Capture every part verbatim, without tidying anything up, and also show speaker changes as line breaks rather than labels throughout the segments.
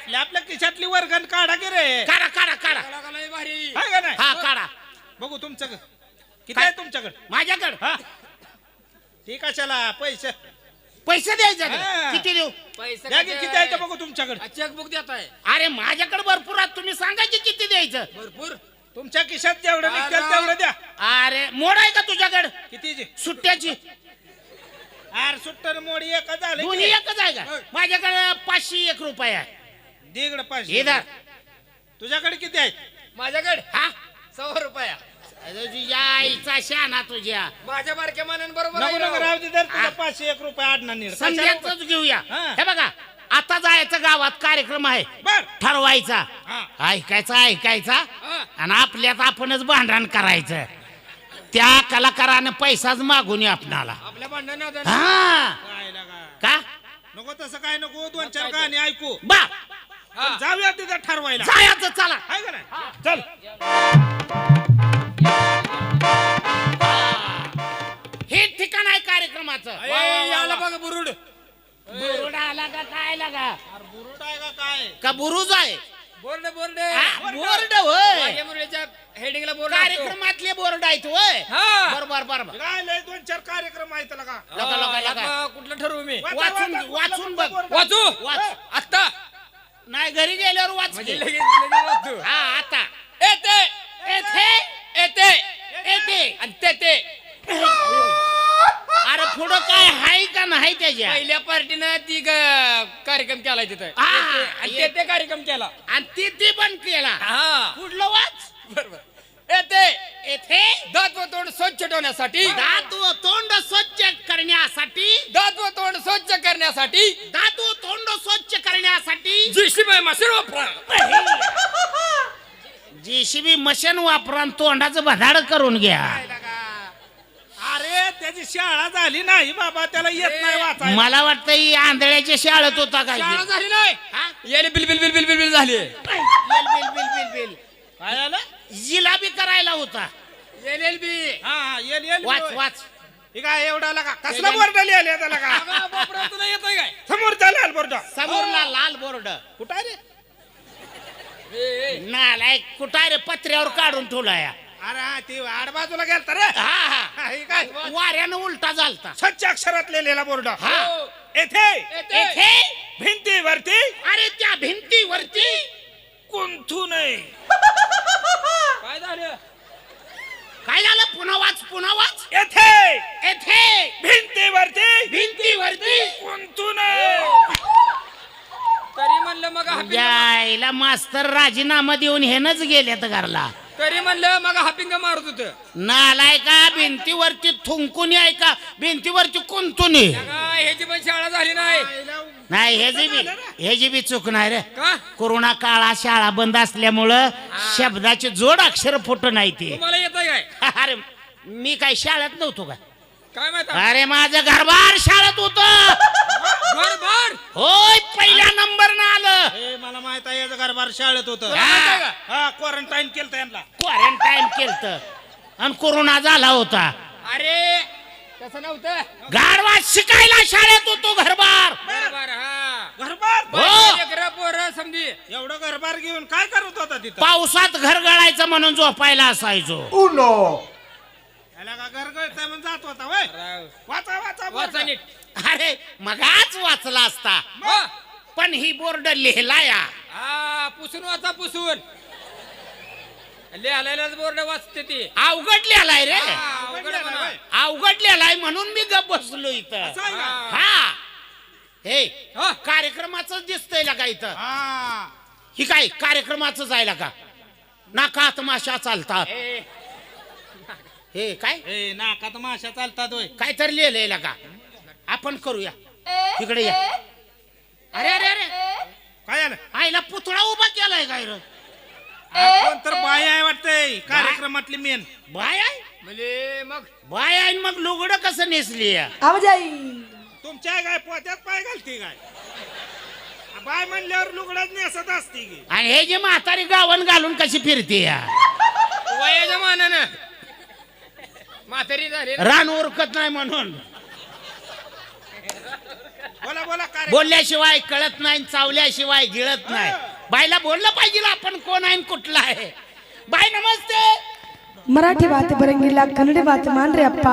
आपल्या आपल्या खिशातली वर्गण काढा की रे.
काढा काढा काढा
भारी हाय का नाही?
हा काढा.
बघू तुमच्याकडे किती आहे तुमच्याकडे.
माझ्याकडे
हा ठीक आहे चला पैसे
पैसे द्यायचे
हा.
का? किती देऊ?
पैसे
द्या की किती आहे ते बघू तुमच्याकडे.
चेकबुक देत आहे
अरे माझ्याकडे भरपूर आहे, तुम्ही सांगा की किती द्यायचं.
भरपूर.
तुमच्या खिशात जेवढं
अरे.
निघतील तेवढं द्या.
अरे मोड आहे का तुझ्याकडे
कितीची
सुट्ट्याची?
आर सुट्टर मोडी एक झालं
दोन्ही
की.
एकच आहे का? माझ्याकडे पाचशे एक रुपये आहे.
दीड पाचशे
इधर
तुझ्याकडे किती आहे.
माझ्याकडे
हा
सव्वा रुपया.
अरे तुझ्या आईचा शाना तुझ्या.
माझ्या बारक्या मानानं बरोबर
नको
आहे
नको
राव.
राहू दे तर तुझं
हा.
पाचशे एक रुपये आडणार नीड.
संध्याच घेऊया.
हा.
हे बघा आता जायचं गावात कार्यक्रम आहे,
बर
ठरवायचा,
हा.
ऐकायचा ऐकायचा
हा.
आणि आपल्यात आपणच भांडण करायचं. त्या कलाकाराने पैसाच मागून ये आपणाला.
आपल्या भांडण
हा
काय लागा.
का
नको तसं काय नको दोन चार
काय
गाणी ऐकू.
बा
हा.
जाऊया तिथं ठरवायला.
जायचं चला.
हाय का नाही. चल
हे ठिकाण आहे कार्यक्रमाचं.
ए, याला बघा बुरुड.
बुरुड आला का काय लागा
अरे बुरुड आहे का काय.
का बुरुज आहे?
बोर्ड बोर्ड
हा, बोर्ड होय.
माझ्या मुलीच्या हेडिंगला बोर्ड असतो.
कार्यक्रमातले बोर्ड आहेत होय.
हा.
बरोबर बरोबर.
काय लय दोन चार कार्यक्रम आहेत लगा.
लगा, लगा, लगा.
आता कुठलं ठरवू मी?
वाचा,
वाचून
वाचा,
वाचून
वाचा,
बघ.
बोर्ड.
वाचू
वाच.
आता
नाही घरी गेल्यावर वाच
म्हणजे
की.
लगेच लगेच वाचू.
हा आता
येते
येथे
येते
येते.
आणि ते ते
अरे पुढं काय हाय का नाही त्याच्या?
पहिल्या पार्टीनं ती ग- कार्यक्रम केला तिथं
हा.
येते. आणि ते ते कार्यक्रम केला.
आणि ती ती पण केला.
हा
पुढलं वाच.
बरोबर. येते
येथे
दात व तोंड स्वच्छ ठेवण्यासाठी
दात व तोंड स्वच्छ करण्यासाठी
दात व तोंड स्वच्छ करण्यासाठी
दात व तोंड स्वच्छ करण्यासाठी
जीसीबी मशीन वापरा.
जेसीबी मशीन वापरा आणि तोंडाचं भदाड करून घ्या.
अरे त्याची शाळा झाली नाही बाबा त्याला येत नाही वाचायला.
मला वाटतं ही आंधळ्याच्या शाळेत होता काय.
शाळा झाली नाही
हा?
याले बिल बिल बिल बिल बिल बिल झाली.
बिल बिल बिल बिल बिल
काय झालं.
जिलाबी करायला होता.
एल एल बी
हा हा येल येल
वाच वाच.
हे काय एवढा लगा कसला बोर्ड लिहिले त्याला का.
तुला येतोय काय?
समोर चालेल बोर्ड.
समोरला लाल बोर्ड.
कुठं आहे रे.
ए, ए.
नालायक कुठं रे पत्र्यावर काढून ठेवलाय.
अरे हा ती आड बाजूला गेलता रे.
हा हा
हा, हे काय
वाऱ्यानं उलटा झालता.
स्वच्छ अक्षरात लिहिलेला बोर्ड.
हा
येथे
येते.
येथे
भिंतीवरती
अरे त्या भिंतीवरती
कुंथू नये.
काय झालं?
काय झालं? पुन्हा वाच पुन्हा वाच.
येथे
येथे
भिंतीवरती
भिंतीवरती
कुंथू नये.
तरी म्हणलं मग हापिंग
यायला मास्तर राजीनामा देऊन हेनच गेल्यात घरला.
तरी म्हणलं मग हापिंग मारत होत.
नालाय का भिंतीवरती थुंकून आहे का भिंतीवरती कुंतून आहे?
ह्याची पण शाळा झाली नाही.
नाही ह्याची बी ह्याची बी चूक नाही रे.
का
कोरोना काळात शाळा बंद असल्यामुळं शब्दाची जोड अक्षर फुट नाही ते.
तुम्हाला येतंय काय?
अरे मी काय शाळेत नव्हतो का?
काय माहित?
अरे माझं घरबार शाळेत होत.
बर बर
होय पहिल्या नंबर न आलं.
हे मला माहित आहे याचं घरबार शाळेत होतं.
माहित आहे का?
हा क्वारंटाईन केलं यांना.
क्वारंटाईन केलत आणि कोरोना झाला होता.
अरे तसं नव्हतं.
गाढवा शिकायला शाळेत होतो घरबार.
बर बर हा
घरबार
हो.
लेकरं पोरं समजी
एवढं घरबार घेऊन काय करत होता तिथं.
पावसात घर गळायचं म्हणून झोपायला असायचो.
याला का घर गळतंय म्हणून जात होता वय.
राव.
वाचा वाचा
वाचा
बोर्ड.
नीट.
अरे मगाच वाचला असता
हा.
पण ही बोर्ड लिहिला या.
हा पुसून वाचा पुसून लिहायलाच बोर्ड वाचते ती.
अवघड लिहिलाय रे.
हा, अवघड आहे म्हणा.
अवघड लिहिलाय म्हणून मी गप बसलो इथं.
असं आहे का?
हा हे
हा.
कार्यक्रमाच दिसतंय का इथं.
हा
ही काय कार्यक्रमाच जायला का नाकात माशा चालतात.
ए,
हे काय
ए नाकात माशा चालतात होय.
काय तर लिहिलंय का. आपण करूया तिकडे या. अरे अरे अरे
काय झालं.
आईला पुतळा उभा केलाय काय रे.
आपण तर बाय आहे वाटतंय कार्यक्रमातली मेन.
बाय आहे
म्हणजे मग
बाय आहे मग लुगडं कसं नेसली या?
तुमच्या काय पोत्यात पाय घालते काय. बाय म्हणल्यावर लुगडाच नेसत असते की.
आणि हे जे म्हातारी गावन घालून कशी फिरते या.
वयाच्या मानानं म्हातारी झाली ना.
रान उरकत नाही म्हणून.
बोला बोला काय रे?
बोलल्याशिवाय कळत नाही, चावल्याशिवाय गिळत नाही. बाईला बोललं पाहिजे ना आपण कोण आहे आणि कुठला आहे. बाई नमस्ते.
मराठी बात बरंगीला कन्नडी बात मान रे अप्पा.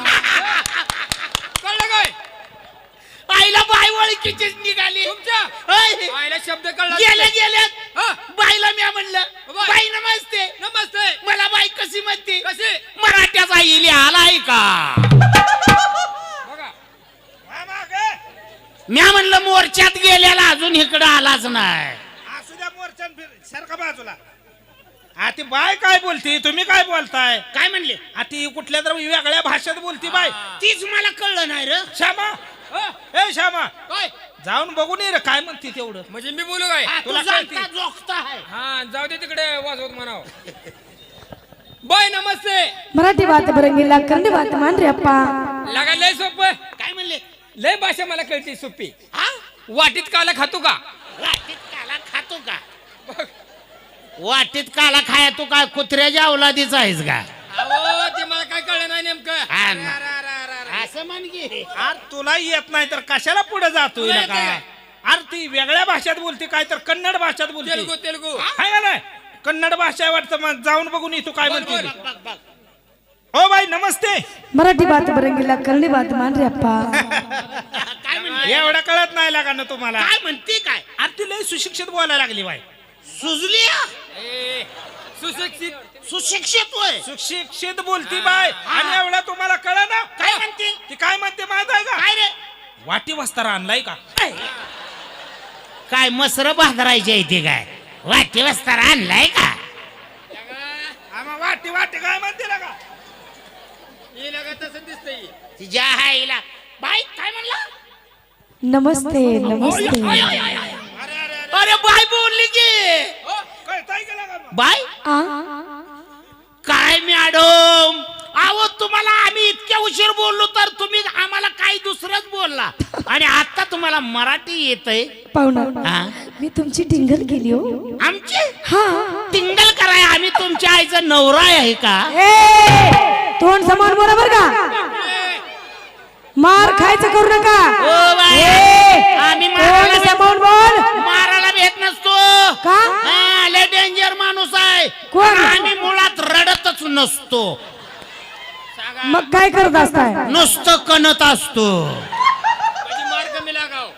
कळलं काय
आईला बाई ओळखीचीच निघाली.
तुमच्या
होय.
आईला शब्द कळला
गेल्या गेल्यात
हा.
बाईला मी म्हणलं
बाई.
बाई नमस्ते.
नमस्ते
मला बाई कशी म्हणते?
कशी
मराठ्याचा इली आलाय का?
बघा
हा, मागे.
म्या म्हणलं मोर्चात गेल्याला अजून इकडं आलाच नाही.
असू द्या मोर्चान फिर सारखा बाजूला. हा ती बाय काय बोलती, तुम्ही काय बोलताय?
काय म्हणले?
हा ती कुठल्या तर वेगळ्या भाषेत बोलती बाय.
तीच मला कळलं नाही र.
श्यामा
हा.
ए श्यामा
काय
जाऊन बघून ये रे काय म्हणते तेवढं.
म्हणजे मी बोलू काय
हा, तू
तुला
जाणता
कळते?
जोखता आहे.
हा जाऊ दे तिकडे वाजवत म्हणाव. बाय नमस्ते.
मराठी बात बरंगीला कन्नडी बात मान रे अप्पा.
लागा लय सोपं
काय म्हणले?
लय भाषा मला कळते सोपी.
हा?
वाटीत काला खातो का?
वाटीत काला खातो का?
बघ.
वाटीत काला खाया तू काय कुत्र्याच्या अवलादीच आहेस का?
अहो ते मला काय कळलं नाही नेमकं.
हा ना. असं म्हण की.
अरे तुला येत नाही तर कशाला पुढे जातोय
तुला
ना
येते
काय? अरे ती वेगळ्या भाषेत बोलते काय तर कन्नड भाषेत बोलते.
तेलगू तेलगू
हाय का नाही? कन्नड भाषा वाटतं मग जाऊन बघून ये तू काय
बघ,
म्हणते.
बघ,
बघ बघ.
हो बाई नमस्ते.
मराठी बात बरंगीला कन्नडी बात मान रे अप्पा.
काय म्हणले?
एवढं कळत नाही लागा ना तुम्हाला.
काय म्हणते काय?
अरे ती लय सुशिक्षित बोलायला लागली बाई.
सुजली हा?
ए, सुशिक्षित
सुशिक्षित होय.
सुशिक्षित बोलती बाय. आणि एवढं तुम्हाला कळ ना
काय म्हणते?
ती काय म्हणते माहित आहे का?
काय रे?
वाटी वस्तारा आणलाय का?
काय मसर बांधरायचे इथे काय? वाटी वस्तारा आणलाय का?
आम्हा वाटी वाटी काय म्हणते ना का?
हे लगा तसं दिसतंय.
तिच्या आईला बाई काय म्हणला?
नमस्ते नमस्ते.
अरे अरे अरे
अरे बाई बोलली की.
हो,
कळताय का लागा मग?
बाई
आ
काय मॅडम, अहो तुम्हाला आम्ही इतक्या उशीर बोललो तर तुम्ही आम्हाला काही दुसरंच बोलला आणि आता तुम्हाला मराठी येतंय.
पाहुणा
हा?
मी तुमची टिंगल केली हो.
आमची
हा
टिंगल कराय आम्ही तुमच्या आईचा नवरा आहे का?
ए तोंड समान बरोबर का? मार खायचं करू नका.
ओ बाई,
ए,
आम्ही
तोंड
मारायला
समान बोल.
मारायला भेट नसतो.
का?
हा, लय डेंजर माणूस आहे.
कोण?
आम्ही मुळात रडतच नसतो,
मग काय करत असताय?
नुसतं कणत असतो.
म्हणजे मार कमी लागाव.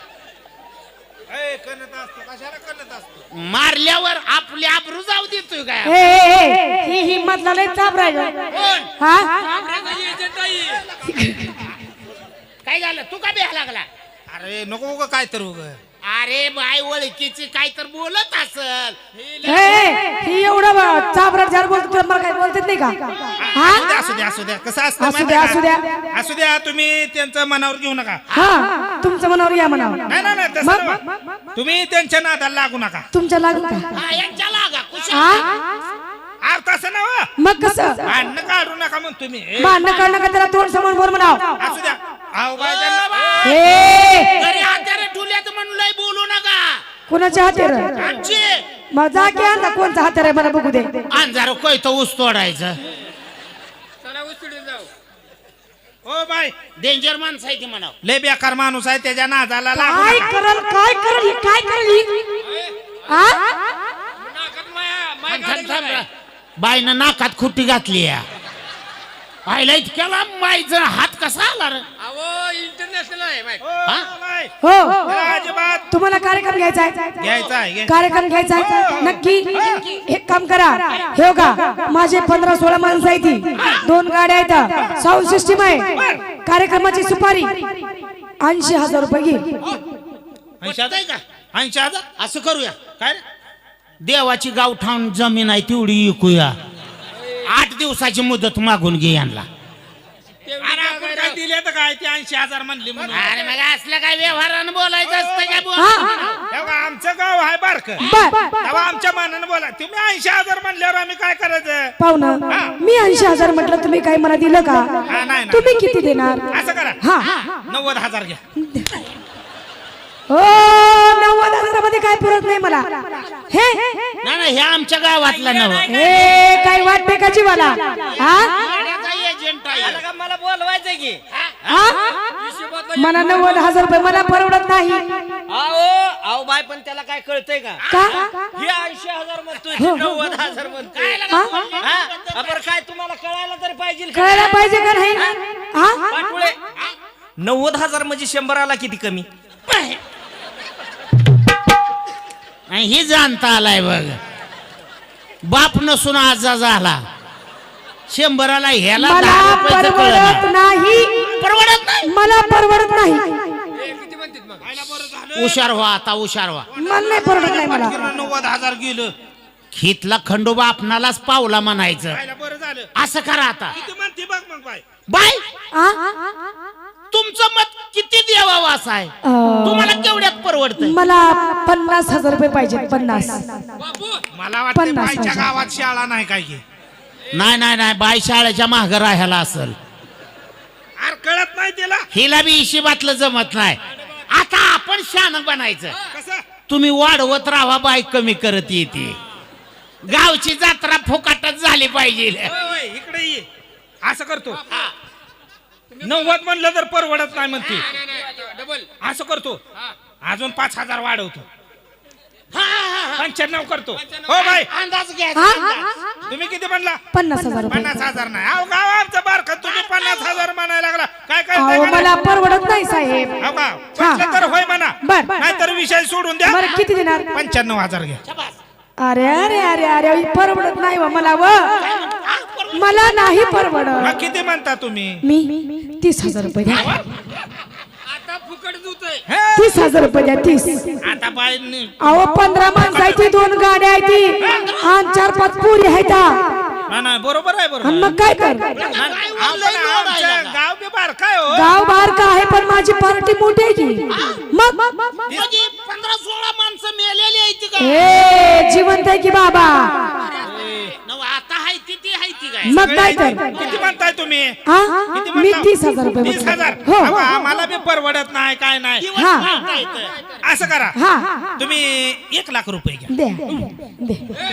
ए, कणत असतो कशाला कणत असतो?
मारल्यावर आपली आबरू जाऊ देतोय काय?
ए, ए, ए, ही हिम्मत लय चाप राहिलो.
कोण?
हा
आपल्याचं एजंट आहे.
काय झालं? तू का बिहा लागला?
अरे नको उगा काय तर उगा.
अरे बाय ओळखीची काय तर बोलत असल.
ए, ए, ही एवढा चापराट जार बोलतो तुला मला काय बोलतात नाही का?
असू द्या
हा
असू द्या असू द्या कसं असतं
असू
माहिती
द्या,
आहे
असू
का?
द्या.
असू द्या तुम्ही त्यांचं मनावर घेऊ नका.
हा तुमचं मनावर या म्हणावं.
नाही नाही नाही, तसं
मग
नाही. तुम्ही त्यांच्या नादाला लागू नका.
तुमच्या लागू का?
हा, यांच्या लागा कुशल.
हा
अरे तसं ना वा.
मग कसं
भांडणं काढू नका मग तुम्ही. ए,
भांडणं काढणं का त्याला तोंड समोर बोल म्हणाव.
असू द्या. अहो बाई त्यांना-
ए
घरी हाताने ठुल्यात म्हणून लय बोलू नका.
कोणाच्या हातेर?
आमची
मग जा की आणता कोणचा हातेर आहे मला बघू दे.
अंधार कोयतो ऊस तोडायचं.
चला उचलून जाऊ.
ओ बाई
डेंजर माणसं आहे ती म्हणाव.
लय बेकार माणूस आहे त्याच्या नादाला लागू
काय
नका.
करल काय करल ही काय करल ही? हा
नाकात माया माय
थांब, थांब,
काढायला
थांब. बाईनं नाकात खुट्टी घातली या. आईला इतक्या लांब बाईचा हात कसा आला रे?
अहो इंटरनॅशनल आहे माय.
ओ,
हा?
बाई,
हो
त्याला अजिबात
तुम्हाला कार्यक्रम घ्यायचा आहे?
घ्यायचा आहे घे.
कार्यक्रम घ्यायचा आहे नक्की. एक काम करा हे का माझे पंधरा सोळा माणसं आहेत ती. दोन गाड्या आहेत, साऊंड सिस्टीम आहे. कार्यक्रमाची सुपारी ऐंशी हजार रुपये घे.
ऐंशी हजार
पटतंय का?
ऐंशी हजार
असं करूया.
काय रे?
देवाची गावठाण जमीन आहे तेवढी विकूया. आठ दिवसाची मुदत मागून घे यांना.
तेवढी
अरे
जागा
आपण
आहे
काय
राव.
दिले तर काय ते ऐंशी हजार म्हणली म्हणून.
अरे मग असलं काय व्यवहारानं बोलायचं असतं काय? बोल.
हा
तेव्हा आमचं गाव आहे बारक.
बर
तेव्हा आमच्या मानानं बोला. तुम्ही ऐंशी हजार म्हणल्यावर आम्ही काय करायचं?
पाहुणं मी ऐंशी हजार म्हटलं तुम्ही काय मला दिलं का?
हा, नाही, नाही.
तुम्ही किती देणार?
असं करा
हा
नव्वद हजार घ्या.
हो नव्वद हजारामध्ये काय पुरत नाही मला. हे
नाही नाही, हे आमच्या गावातला नव.
हे काय वाटते का जीवाला? हा
भाड्याचा एजंट आहे.
आला का मला बोलवायचं की
हा? मला नव्वद हजार रुपये मला परवडत नाही.
आओ आओ बाय पण त्याला काय कळतंय का
का
हे ऐंशी हजार म्हणतोय ते नव्वद हजार म्हणतोय
हा?
हा? बरं काय तुम्हाला कळायला तरी पाहिजे का?
कळायला पाहिजे का नाही हा?
पाटोळे नव्वद हजार म्हणजे शंभराला किती कमी
आणि ही जाणता आलाय बघ. बाप नसून आजा झाला. शंभराला ह्याला
मला
दहा रुपयाचं
परवडत
कळलं.
नाही.
परवडत नाही.
मला परवडत नाही.
किती म्हणतात मग
खायला बरं झालं
हुशार व्हा आता, हुशार व्हा.
मला नाही परवडत नाही मला.
नव्वद हजार गेलं.
खितला खंडोबा आपणालाच पावला म्हणायचं.
खायला बरं झालं.
असं करा आता.
किती म्हणते बघ मग बाय.
बाय
हा?
तुमचं मत किती देवावं असं आहे.
अं,
तुम्हाला केवढ्यात परवडतंय.
मला पन्नास हजार रुपये पाहिजे. पन्नास
मला वाटतं
पन्नास
बायच्या
हजार.
गावात शाळा नाही काय की.
नाही नाही नाही बाय शाळेच्या माघ राहायला असल.
अरे कळत नाही त्याला.
हिला बी हिशेबातलं जमत नाही. आता आपण शान बनायचं.
कसं
तुम्ही वाढवत राहा, बाय कमी करत येते. गावची जत्रा फुकाटच झाली पाहिजे.
होय, होय, इकडे ये. असं करतो नव्वद म्हणलं तर परवडत नाही म्हणते.
डबल
असं करतो अजून पाच हजार वाढवतो. पंच्याण्णव करतो. हो बाय
अंदाज घ्या.
हा?
तुम्ही किती म्हणला.
पन्नास हजार रुपये.
पन्नास हजार नाही. अहो गाव आमचं बारखं तुम्ही पन्नास हजार म्हणायला लागला. काय काय
अहो मला परवडत नाही साहेब.
हो का म्हटलं तर होय म्हणा.
बर.
नाहीतर विषय सोडून द्या.
बरं किती देणार.
पंच्याण्णव हजार घ्या.
अरे अरे अरे अरे परवडत नाही व मला. व मला नाही परवडत.
मग किती म्हणता तुम्ही.
मी तीस हजार रुपये द्या.
आता फुकट जुतोय
हे,
तीस हजार रुपये द्या. तीस.
आता बाय
अहो पंधरा माणसं आहेत ती, दोन गाड्या आहेत ती, आणि चार पाच पुरी आहेत.
नाही नाही बरोबर आहे बरोबर
आणि मग काय कर.
नाही, आपण आमचं गाव बी बारखं आहे हो.
गाव बाहेर का आहे पण माझी पार्टी मोठी आहे की. मग
म्हणजे पंधरा सोळा माणसं मेलेली आहेत का.
हे जिवंत आहे की बाबा.
नव आता हाय ती ती हाय ती काय.
मग काय तर.
किती म्हणताय तुम्ही.
हा?
किती
मी
म्हणता?
तीस हजार रुपये
तीस
म्हणतो.
हजार
हो
अहो, आम्हाला बी परवडत नाही काय नाही.
हा
असं करा
हा
तुम्ही एक लाख रुपये घ्या.
द्या दे.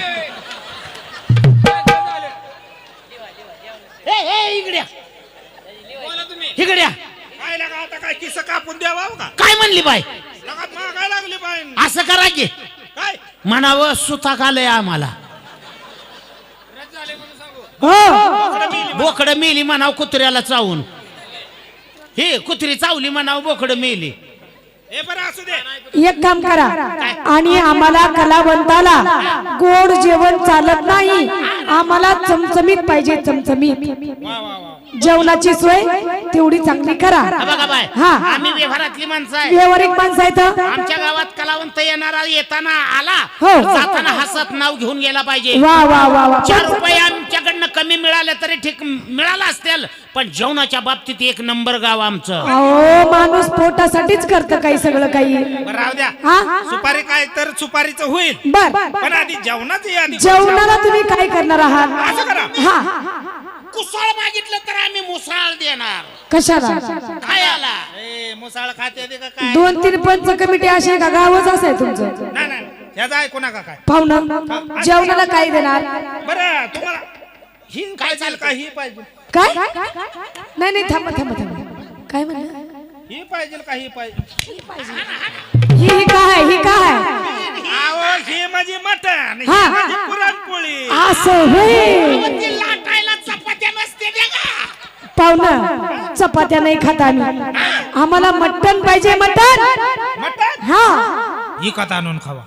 ए, ए, इकडे या.
बोला तुम्ही
इकडे या.
काय लागा आता काय किस्सा कापून द्यावा हो का.
काय म्हणली बाय.
लगात मागाय लागली बाय.
असं करा की
काय
म्हणावं सुताक आलंय आम्हाला.
रद्द झाले म्हणून सांगू
हो
बोकड मेली म्हणाव कुत्र्याला चावून. हे कुत्री चावली म्हणाव बोकड मेली.
हे बरं असू दे.
एक काम करा आणि आम्हाला कलावंताला गोड जेवण चालत नाही. आम्हाला चमचमीत पाहिजे. चमचमीत
वा वा वा.
जेवणाची सोय तेवढी चांगली करा.
हा बघा बाय
हा.
आम्ही व्यवहारातली माणसं आहे.
व्यवहारिक माणसं आहेत.
आमच्या गावात कलावंत येणारा येताना आला
हो.
जाताना हसत नाव घेऊन गेला पाहिजे.
वा वा वा वा.
चार रुपये आमच्याकडनं कमी मिळाले तरी ठीक मिळाला असतील पण जेवणाच्या बाबतीत एक नंबर गाव आमचं.
अहो माणूस पोटासाठीच करतं काही सगळं काही.
बरं राहू द्या.
हा
सुपारी काय तर सुपारीचं होईल
बर.
पण आधी जेवणाच आधी
जेवणाला तुम्ही काय करणार आहात.
असं करा.
हा
कुसाळ मागितलं तर आम्ही मुसाळ देणार.
कशाला.
खायला.
ए मुसाळ खाते ते का काय.
दोन तीन पंच कमिटी अशी आहे का गावच असं आहे तुमचं.
नाही नाही ह्याचा ऐकू नका काय.
पाहुणं जेवणाला काय देणार.
बरं तुम्हाला ही काय चाल का ही पाहिजे.
काय नाही नाही थांबा थांबा थांबा. काय म्हणलं.
ही पाहिजे का ही पाहिजे.
ही ही काय ही काय.
आवो ही माझी मटण ही
हा.
माझी पुरणपोळी.
असं होय.
ती लाटायला चपात्या नसते त्या का.
पाहुणं चपात्या नाही खात आम्ही. आम्हाला मटण पाहिजे. मटण.
मटण
हा
ही कथा आणून खावा.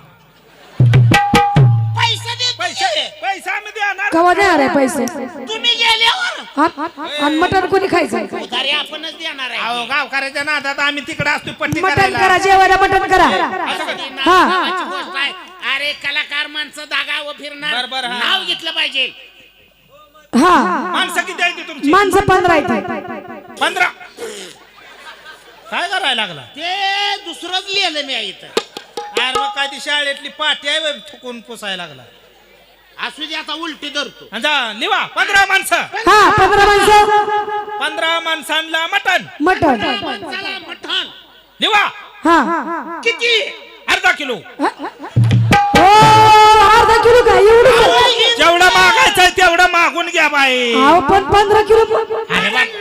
पैसे दे
पैसे पैसा आम्ही देणार.
कवा देणार आहे पैसे.
तुम्ही गेल्यावर
हा? आणि मटण कोणी खायचं.
उधारी आपणच देणार आहे.
अहो गावकऱ्याच्या नादात आम्ही तिकडे असतो पट्टी
मटण
करायला.
करा जेवायला मटण करा. हा.
नावाची गोष्ट आहे. अरे कलाकार माणसं दागावं फिरणार
बर, बर, हा.
नाव घेतलं पाहिजे.
हा
माणसं किती आहे ती तुमची.
माणसं पंधरा आहेत.
पंधरा. काय करायला लागला.
ते दुसरंच लिहिलं मी इथं.
अरे मग काय ती शाळेतली पाठी आहे बे, थुकून पुसायला लागला.
असू दे आता उलटी धरतो.
आणि जा लिवा पंधरा माणसं.
हा पंधरा माणसं.
पंधरा माणसांना मटण
मटण.
चला मठण
लिवा.
हा
किती.
अर्धा किलो.
हो अर्धा किलो काय एवढं.
जेवढं मागायचंय तेवढं मागून घ्या बाई.
अहो पण पंधरा किलो.
अरे बा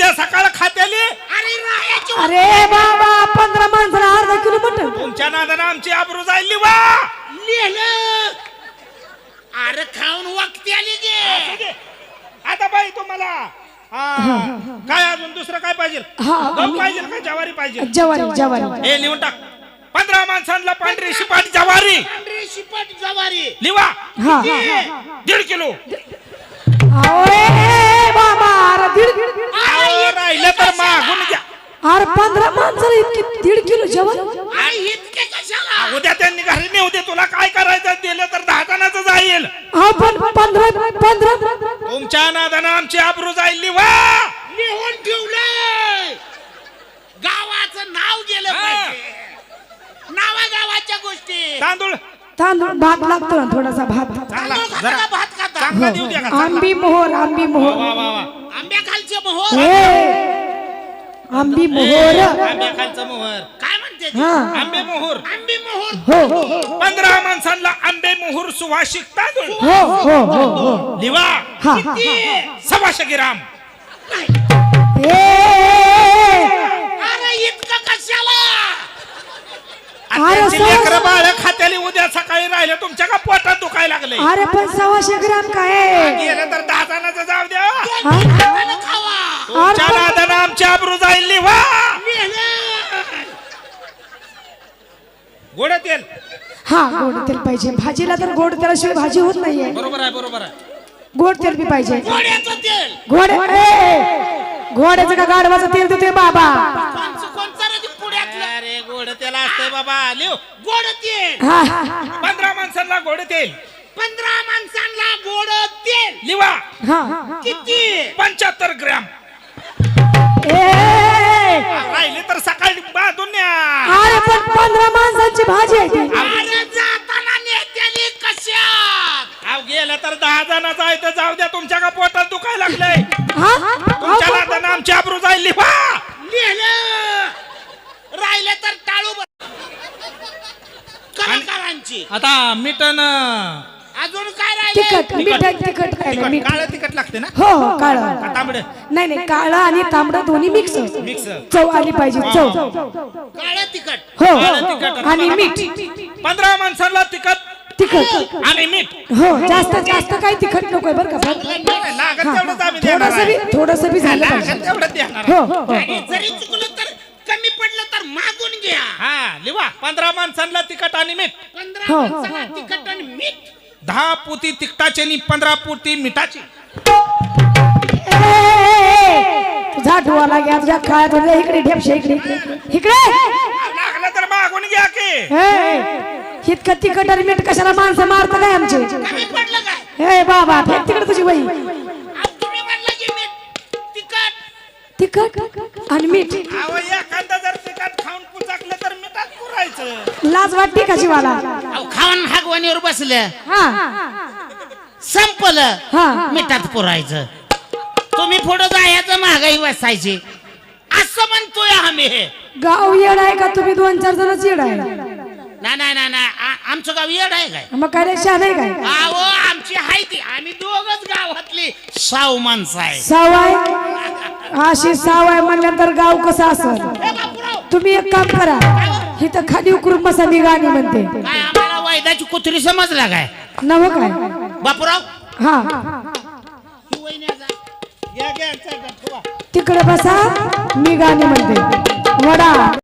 उद्या सकाळ खात्याली
अरे रायाची
अरे बाबा पंधरा माणसाला अर्धा किलो मटण
तुमच्या नादानं आमची आबरू जाईल लिवा
लिहिलं अरे खाऊन वक्ती आली गे
आता बाई तुम्हाला हा, काय अजून दुसरं काय पाहिजे
हा.
गहू पाहिजे का ज्वारी पाहिजे
जवारी जवारी
हे लिहून टाक पंधरा माणसांना पांढरी शिपाट ज्वारी
पांढरी शिपट जवारी
लिवा
हा
दीड किलो
अरे बाबा अरे दीड
अहो, राहिलं तर मागून घ्या
अरे पंधरा माणसाला इतकी दीड किलो जेवण
अरे इतके कशाला
उद्या त्यांनी घरी नेऊ दे तुला काय करायचं दिलं तर दहा जणांचं जाईल
हा पण पंधरा पंधरा
तुमच्या नादानं आमची आबरू जाईल लिवा
लिहून ठेवलंय गावाचं नाव गेलं
हा.
पाहिजे नावा गावाच्या गोष्टी
तांदूळ
तांदूळ भात लागतो ना थोडासा भात
चांगला
तांदूळ
जरा
खाता, भात खाता
चांगला देऊ द्या का चांगला.
आंबी मोहर आंबी
वा
मोहर
वा वा
आंब्या खालचे मोहर
ए आंबी मोहर
आंबे खालचं मोहर
काय म्हणते ते?
हा
आंबे मोहर
आंबे मोहर
हो हो
पंधरा माणसांना आंबे मोहर सुवासिक तांदूळ
हो हो हो हो
लिवा
हा हा
किती?
सव्वाशे ग्राम
ए
अरे इतकं कशाला
अरे
त्यांची
सव्वाशे-
लेकरं बाळ खात्याली उद्या सकाळी राहिले तुमच्या का पोटात दुखायला लागले
अरे पण सव्वाशे ग्राम काय आहे?
गेलं तर दहा जणांचं जाऊ द्या
हा?
हातानं खावा
तुमच्या
अरे पण-
नादानं आमची आबरू जाईल लिवा
लिहिलं
गोड तेल
हा गोड तेल पाहिजे भाजीला तर गोड तेलाशिवाय भाजी होत नाहीये
बरोबर आहे बरोबर आहे
गोड तेल बी पाहिजे
घोड्याचं तेल
घोडे ए, घोड्याचं का गाढवाचं तेल देतोय बाबा
कोणचं कोणचं रे ते पुण्यातलं
अरे गोड तेल असतंय बाबा लिव
गोड तेल
हा हा, हा.
पंधरा माणसांना गोड तेल
पंधरा माणसांना गोड तेल
लिवा
हा
किती
पंच्याहत्तर ग्रॅम
ए
राहिले तर सकाळी बांधून न्या
अरे पण पंधरा माणसांची भाजी आहे ती
अरे जाताना नेत्याली कशात
अहो गेलं तर दहा जणांचं आहे तर जाऊ द्या तुमच्या का पोटात दुखायला लागलंय
हा? अहो,
तुमच्या
पण-
नादानं आमची आबरू जाईल लिवा
लिहिलं राहिले तर टाळू ब- कलाकारांची
आता मिटन
अजून काय राहिले
तिखट मीठ तिखट काय नाही, मीठ
काळ तिखट लागते ना
हो हो काळ
तांबड
नाही नाही काळं आणि तांबडं दोन्ही मिक्स
मिक्स
चव आली पाहिजे चव
काळं तिखट
हो
काळं तिखट.
आणि मीठ
पंधरा माणसांना तिखट
तिखट
आणि मीठ
हो जास्त जास्त काही तिखट नकोय बरं का पण
लागत तेवढंच आम्ही देणार
थोडस बी
आहे.
थोडस बी झालं
लागत
पाहिजे
तेवढंच देणार आहे.
हो हो, हो
आणि जरी चुकलं तर कमी पडलं तर मागून घ्या
हा लिवा पंधरा माणसांना तिखट आणि मीठ
पंधरा
हो.
माणसाला तिखट आणि मीठ
दहा पोती तिखटाची आणि पंधरा पोती मिठाची
ए, ए, ए, तुझा डोळा घ्या तुझ्या काळात तुझ्या इकडे ढेपशे इकडे इकडे
लागलं तर मागून घ्या की
ए, इतकं तिखट आणि मीठ कशाला माणसं मारतं काय आमचे
कमी पडलं काय
ए बाबा फेक तिकडे तुझी बाई
अब तुम्ही म्हणलं की मीठ तिखट
तिखट आणि मीठ
अहो एखादा जर तिखट खाऊन पुचाकलं तर मिठात पुरायचं
लाज वाटते का जीवाला
अहो, खाऊन हागवानीवर बसल्या
हा
संपलं
हा
मिठात पुरायचं तुम्ही पुढे जायचं महागाई बसायची असं म्हणतोय आम्ही हे
गाव येड आहे का तुम्ही दोन चार जणच येड आहे
नाही नाही नाही नाही आ- आमचं गाव येड आहे काय
मग काय शहा नाही काय
अहो आमची हाय ती आम्ही दोघच गावातली साऊ माणसं आहे
सावाय अशी सावाय म्हणल्यानंतर गाव कसं असेल
हे बापूराव,
तुम्ही एक काम करा इथं खाली उकरून बसा मी गाणी म्हणते
काय आम्हाला वैदाची कुत्री समजला काय
नव काय
बापूराव
हा
ही वहिनी आहे जा.
घ्या घ्या चल, चल, ठेवा.
तिकडे बसा मी गाणी म्हणते वडा